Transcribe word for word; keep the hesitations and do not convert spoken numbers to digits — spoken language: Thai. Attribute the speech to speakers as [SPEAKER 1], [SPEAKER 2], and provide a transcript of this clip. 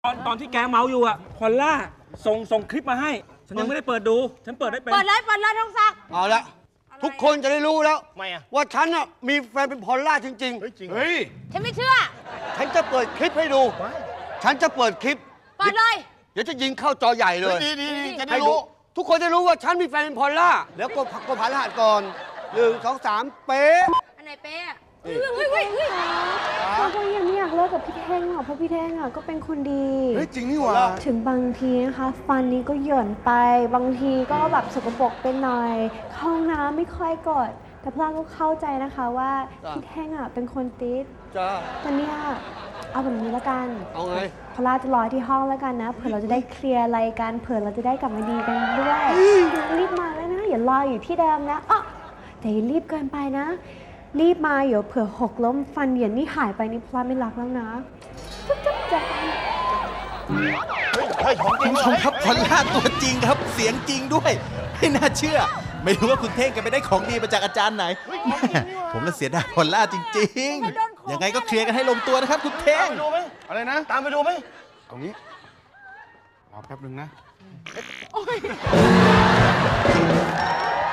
[SPEAKER 1] ตอนตอนที่แกเมาอยู่อะพอลล่าส่งส่งคลิปมาให้ฉันยังไม่ได้เปิดดูฉันเปิดได้เป็น
[SPEAKER 2] เปิดเลยเปิดเลยทองศักดิ์
[SPEAKER 3] เอาละทุกคนจะได้รู้แล้ว
[SPEAKER 4] ไม่อะ
[SPEAKER 3] ว่าฉันน่ะมีแฟนเป็นพอลล่าจริง
[SPEAKER 4] เฮ้ยจริง
[SPEAKER 3] เฮ้ย
[SPEAKER 2] ฉันไม่เชื่อ
[SPEAKER 3] ฉันจะเปิดคลิปให้ดู ฉันจะเปิดคลิป
[SPEAKER 2] เปิดเลย
[SPEAKER 3] เดี๋ยวจะยิงเข้าจอใหญ่เลย
[SPEAKER 4] ดีดีดีจะได้
[SPEAKER 3] ให้ดู
[SPEAKER 4] รู้
[SPEAKER 3] ทุกคนจะรู้ว่าฉันมีแฟนเป็นพอลล่าแล้วก็ผักก็ผ่านรหัสก่อนหนึ่งสองสามเป๊ะ
[SPEAKER 2] อันไหนเป๊ะอะเฮ้ยเฮ้ยเฮ้ยเฮ้ย
[SPEAKER 5] เราก็ยังไม่อยากเลิกกับพี่เท่งหรอกเพราะพี่เท่งอ่ะก็เป็นคนดี
[SPEAKER 4] เฮ้ยจริงนี่หว่า
[SPEAKER 5] ถึงบางทีนะคะฟันนี้ก็หย่อนไป บางทีก็แบบสกปรกไปหน่อยเข้าห้องน้ำไม่ค่อยกด แต่พลาก็เข้าใจนะคะว่าพี่เท่งอ่ะเป็นคนติด
[SPEAKER 3] จ้า
[SPEAKER 5] แต่เนี่ยเอาแบบนี้ละกัน
[SPEAKER 3] เอาไง
[SPEAKER 5] พลาจะรอที่ห้องแล้วกันนะเผื่อเราจะได้เคลียร์อะไรกันเผื่อเราจะได้กลับมาดีกันด้วยรีบมาแล้วนะอย่ารออยู่ที่เดิมนะอ๋อแต่อย่ารีบเกินไปนะ รีบมาเดี๋ยวเผื่อหกล้มฟันเหยียนนี่หายไปนี่พลาไม่รักแล้วนะจุ๊บจุ๊บจ้ะ
[SPEAKER 4] เฮ้ยของจริ
[SPEAKER 6] คุ
[SPEAKER 4] ง
[SPEAKER 6] ณผู้ชมครับพอลล่าตัวจริงครับ เสียงจริงด้วยไม่น่าเชื่อ ไม่รู้ว่าคุณเท่งแกันไปได้ของดีมาจากอาจารย์ไหนแม่ผมละเสียดายพอลล่าจริงๆ ยังไงก็เคลียร์กันให้ลงตัวนะครับคุณเท่
[SPEAKER 4] ตาม
[SPEAKER 6] ง
[SPEAKER 4] ไปดูไหม
[SPEAKER 7] อะไรนะ
[SPEAKER 4] ตามไปดูไหม
[SPEAKER 7] ตรงนี้ รอแป๊บนึงนะ